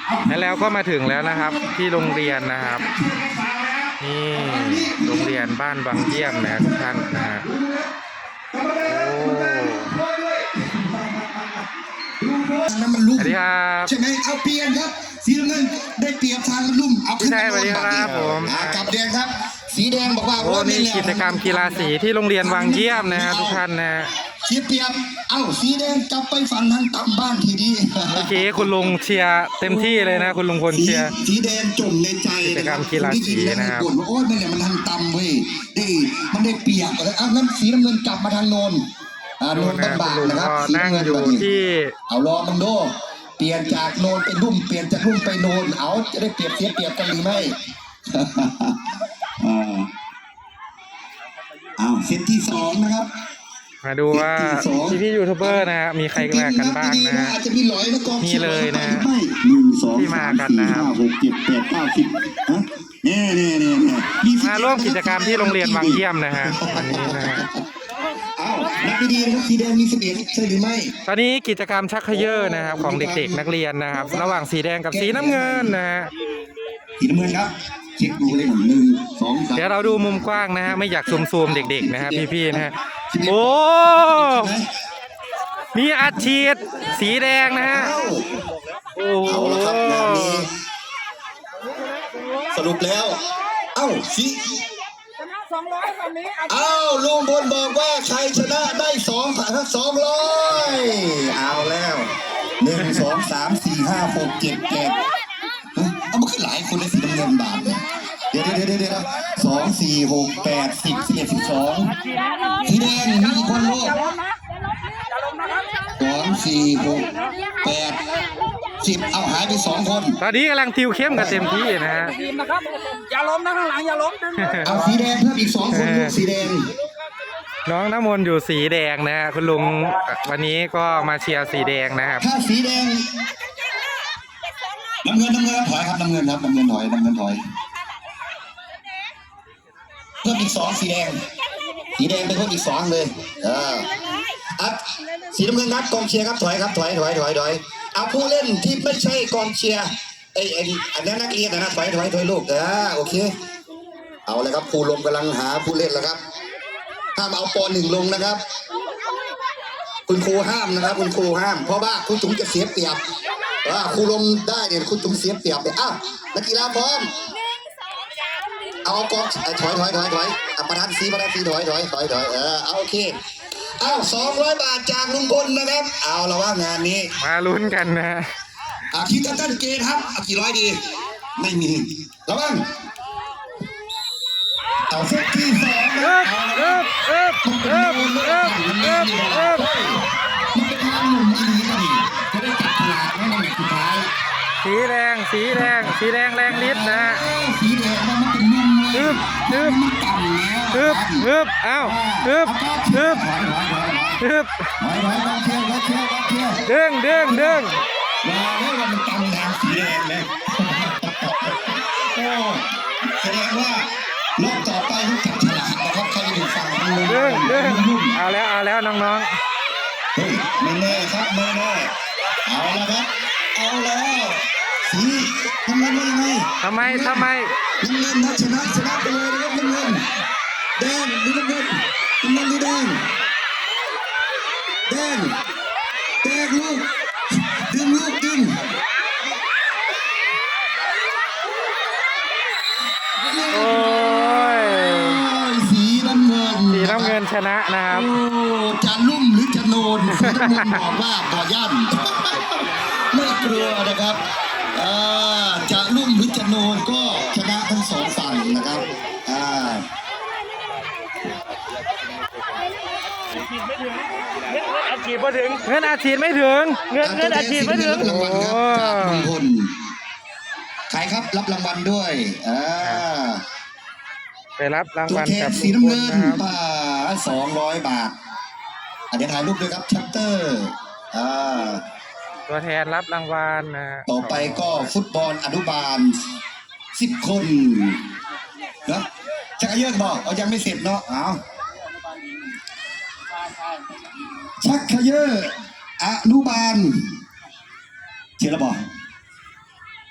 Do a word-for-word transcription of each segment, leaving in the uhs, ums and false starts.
แล้วก็มาถึงแล้วนะครับที่โรงเรียนนะครับนี่โรงเรียนบ้านบางเยี่ยมนะทุกท่านนะฮะโอ้นั้นมันลุ่มสวัสดีครับใช่ไหมเอาเปลี่ยนครับสีน้ำเงินได้เปรียบทางมันลุ่มเอาขึ้นพี่ชัยสวัสดีครับผมอ่ากลับแดงครับ สีแดงบอกว่าโอ้นี่กิจกรรมกีฬาสีที่โรงเรียนวังเยี่ยมนะฮะทุกท่านนะเสียเปรียบเอ้าสีแดงกลับไปฝั่งทางต่ำบ้านทีดีเมื่อกี้คุณลุงเชียร์เต็มที่เลยนะคุณลุงพลสีเชียร์สีแดงจมในใจกิจกรรมกีฬาสีนะครับบ่นว่าโอ้ยนั่นแหละมันทางต่ำเว้ยได้มันได้เปรียบเลยอ้าวงั้นสีน้ำเงินกลับมาทางโนนอ่าโนดูนนะบาคุณงลุงๆนะครับก็สีนั่งน้ำเงินอยู่แบบนี้ที่เอาลองมึงดูเปลี่ยนจากโนนเป็นรุ่มเปลี่ยนจากรุ่มไปโนนเอาจะได้เปรียบเสียเปรียบกันหรือไม่ อ่าเอาเซตที่สองนะครับมาดูว่าพี่พี่ยูทูบเบอร์นะฮะมีใครมากันบ้างนะฮะอาจจะมีหลอยนะกองนี่เลยนะไม่หนึ่งสองที่มากันนะครับหกเจ็ดแปดเก้าสิบฮะเน่เน่เน่เน่มาร่วมกิจกรรมที่โรงเรียนวังเยี่ยมนะฮะวันนี้นะฮะเอานักดีๆนะครับสีแดงมีสิบเอ็ดใช่หรือไม่ตอนนี้กิจกรรมชักเขย่อนะครับของเด็กๆนักเรียนนะครับ ระหว่างสีแดงกับสีน้ำเงินนะฮะสีน้ำเงินครับเช็คดูเลยหนึ่งสองสามเดี๋ยวเราดูมุมกว้างนะฮะไม่อยากซูมๆเด็กๆนะฮะพี่ๆนะฮะโอ้มีอัดฉีดสีแดงนะฮะโอ้เอาละครับงานนี้สรุปแล้ว เอ้าสีชนะสองร้อยวันนี้เอ้าลุงพลบอกว่าใครชนะได้สองพันสองร้อยเอาแล้วหนึ่งสองสามสี่ห้าหกเจ็ดแปดเอามาขึ้นหลายคนในสีน้ำเงินบาทเนี่ยเดี๋ยวเดี๋ยวเดี๋ยวเดี๋ยวสองสี่หกแปดสิบสิบเอ็ดสิบสองสีแดงมีกี่คนลูกสองสี่หกแปดสิบเอาหายไปสองคนตอนนี้กำลังติวเข้มกันเต็มที่นะฮะทีมนะครับอย่าล้มนะข้างหลังอย่าล้มดึงเอาสีแดงเพิ่มอีกสองคนลูกสีแดงน้องน้ำมนต์อยู่สีแดงนะฮะคุณลุงวันนี้ก็มาเชียร์สีแดงนะครับถ้าสีแดงน้ำเงินน้ำเงินถอยครับน้ำเงินครับน้ำเงินถอยน้ำเงินถอยเพิ่มอีกสองสีแดงสีแดงไปเพิ่มอีกสองเลยเอออัดสีน้ำเงินครับกองเชียร์ครับถอยครับถอยถอยถอยถอยเอาผู้เล่นที่ไม่ใช่กองเชียร์ไอ้ไอ้อันนั้นนักเรียนนะถอยถอยถอยลูกเออโอเคเอาเลยครับครูลมกำลังหาผู้เล่นแล้วครับห้ามเอาปอหนึ่งลงนะครับคุณครูห้ามนะครับคุณครูห้ามเพราะว่าคุณจุ๋มจะเสียเปรียบว่าครูลมได้เนี่ยคุณจุ๋มเสียเปรียบเลยอ้าวนักกีฬาพร้อมเอากองถอยถอยถอยถอยอ่ะประธานสีประธานสีถอยถอยถอยถอยเออเอาโอเคอ้าวสองร้อยบาทจากลุงพลนะครับเอาละว่างานนี้มาลุ้นกันนะฮะอาคิดตั้งเกณฑ์ครับเอากี่ร้อยดีไม่มีระวังเอาเซตที่สองนะเอาละครับเอิบเอิบเอิบเอิบเอิบมันเป็นทางหนุ่มอีนีกันดิจะได้จับฉลากในแมตช์สุดท้ายสีแดงสีแดงสีแดงแรงฤทธิ์นะฮะสีแดงมันเป็นนุ่มเลยฮึบฮึบมันต่ำแล้วฮึบฮึบเอ้าฮึบฮึบถอยถอยถอยฮึบถอยถอยถอยเชียร์เชียร์เชียร์เด้งเด้งเด้งว่าแล้วว่ามันต่ำทางสีแดงเลยโอ้แสดงว่ารอบต่อไปต้องจับฉลากนะครับใครจะอยู่ฝั่งนู้นเด้งเด้งเอาแล้วเอาแล้วน้องเฮ้ยไม่แน่ครับไม่แน่เอาละครับเอาแล้วสีน้ำเงินว่ายังไงๆทำไมทำไมน้ำเงินนะชนะชนะไปเลยนะครับน้ำเงินแดงหรือน้ำเงินน้ำเงินหรือแดงแดงแดงลูกดึงลูกดึงโอ้ยสีน้ำเงินสีน้ำเงินชนะนะครับโอ้จะลุ่มหรือจะโนนสีน้ำเงินบอกว่าบ่ย่ำไม่กลัวนะครับอ่าจะลุ่มหรือจะโนนก็ชนะทั้งสองฝั่งนะครับอ่าอาชีพไม่ถึงเงินอาชีพไม่ถึงเงินเงินอาชีพไม่ถึงรางวัลครับโอ้จากลุงพลใครครับรับรางวัลด้วยอ่าไปรับรางตัววัลแทกัน บสีลุงน้ำพลเงินนะครับป่าสองร้อยบาทอ่ะเดี๋ยวถ่ายรูปด้วยครับชัตเตอร์อ่าตัวแทนรับรางวัลนะฮะต่อไปก็ฟุตบอลอนุบาลสิบคนนะชักเยอะบอกเอายังไม่เสร็จเนาะเอาชักเขยออนุบาลเชียร์ระบอก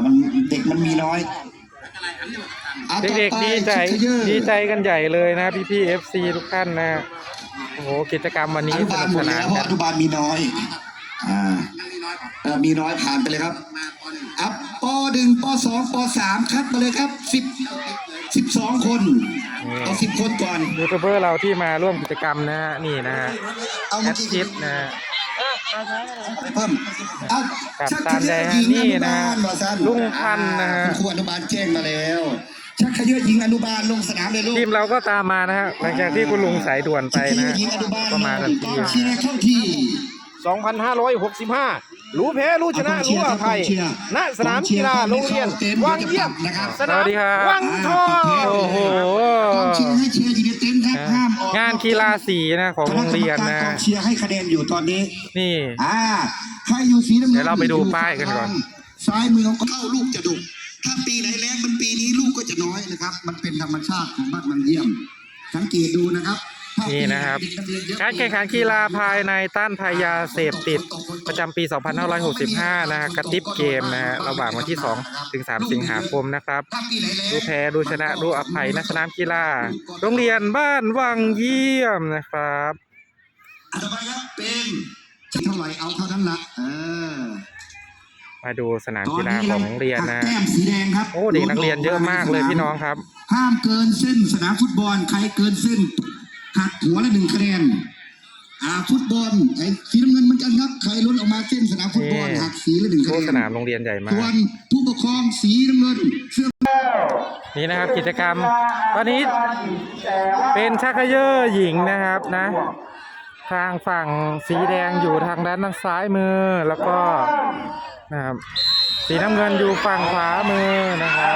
มันเด็กมันมีน้อยอ่ะเด็กต่อๆไปดีใจชิคเกอร์ดีใจกันใหญ่เลยนะพี่พี่เอฟซีทุกท่านนะโอ้โหกิจกรรมวันอนี้นุสบาลนุกหมสดนาแล้นวเพราะกันอนุบาลมีน้อยอ่าเออมีน้อยผ่านไปเลยครับอ่ะปหนึ่งปสองปสามคัดมาเลยครับสิบสิบสองคนเอาสิบคนก่อนยูทูบเบอร์เราที่มาร่วมกิจกรรมนะฮะนี่นะฮะเอาแอเมื่อดกี้ชิดนะฮะไปเพิ่มเอากับชักตามเขแดยงอะหญิงนี่อนุนะบาลว่าสั้นลุงพันธุ์นะฮะคุณครูอนุบาลแจ้งมาแล้ว ชักเขยอะหญิงอนุบาลลงสนามเลยลูกทีมเราก็ตามมานะฮะหลังจากที่คุณลุงสายด่วนไปชักเขนะยอะฮะหญิงอนุบาลก็มาทันกทีองนะเชียร์เข้าที่สองพันห้าร้อยหกสิบห้า รู้แพ้รู้ชนะรู้อภัย ณ สนามกีฬาโรงเรียนวังเยี่ยมนะครับสนามสวัสดีครับวังทองโอ้โหกองเชียร์ให้เชียร์อยู่ในเต็นท์ครับห้ามออกงานกีฬาสีนะของโรงเรียนคณะกรรมนะการกองเชียร์ให้คะแนนอยู่ตอนนี้นี่อ่าใครอยู่สีน้ำเงินเดี๋ยวเราไปดูป้ายกันก่อนซ้ายมือของเข้าลูกจะดุถ้าปีไหนแรงมันปีนี้ลูกก็จะน้อยนะครับ มันเป็นธรรมชาติของบ้านมันเยี่ยม สังเกตดูนะครับถ้าปีนี่ไหนะครับเด็กนักเรียนเยอะการแข่งขันกีฬาภายในต้านภัยยาเสพติดประจำปี สองพันห้าร้อยหกสิบห้า นะฮะกระติบเกมนะฮะระหว่างวันที่ สอง ถึง สาม สิงหาคมนะครับถ้าปีไหนแรงดูแพ้ดูชนะดูอภัยณสนามกีฬา โรงเรียนบ้านวังเยี่ยมนะครับอันต่อไปครับเป็นเท่าไหร่เอาเท่านั้นละเออมาดูสนามกีฬาของโรงเรียนนะหักแต้มสีแดงครับโอ้เด็กนักเรียนเยอะมากเลยพี่น้องครับห้ามเกินเส้นสนามฟุตบอลใครเกินเส้นหักหัวละหนึ่งคะแนนอ่าฟุตบอลไอ้สีน้ำเงินเหมือนกันครับใครล้นออกมาเส้นสนามฟุตบอลนี่หักสีละหนึ่งคะโอ้แนนสนามโรงเรียนใหญ่มากส่วนผู้ปกครองสีน้ำเงินเสื้อนี่นะครับกิจกรรมตอนนี้เป็นชักเขยอหญิงนะครับนะ ทางฝั่งสีแดงอยู่ทางด้านทางซ้ายมือแล้วก็นะครับสีน้ำเงินอยู่ฝั่งขวามือนะครับ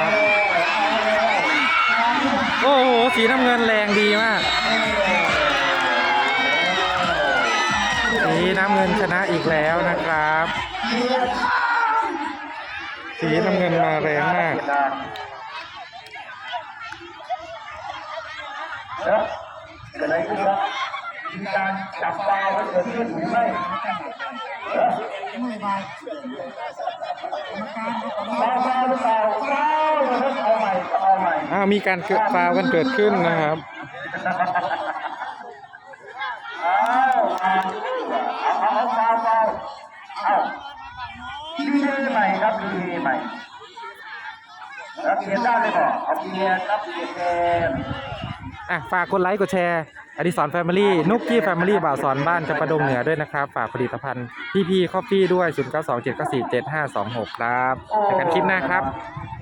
โอ้โหสีน้ำเงินแรงดีมาก สีน้ำเงินชนะอีกแล้วนะครับ สีน้ำเงินมาแรงมาก อ้าวมีการเกิดฟาวล์กันเกิดขึ้นนะครับดีใหม่ครับดีใหม่รับเกียรติได้เลยบอกเอาเกียรติรับเกียรติเกมอ่ะฝากกดไลค์กดแชร์อดิศรแฟมิลี่นุกกี้แฟมิลี่บ่าวสอนบ้านจำปาดงเหนือด้วยนะครับ ฝากผลิตภัณฑ์พี่พีคอฟฟี่ด้วย ศูนย์ เก้า สอง เจ็ด เก้า สี่ เจ็ด ห้า สอง หก ครับเจอกันคลิปหน้าครับ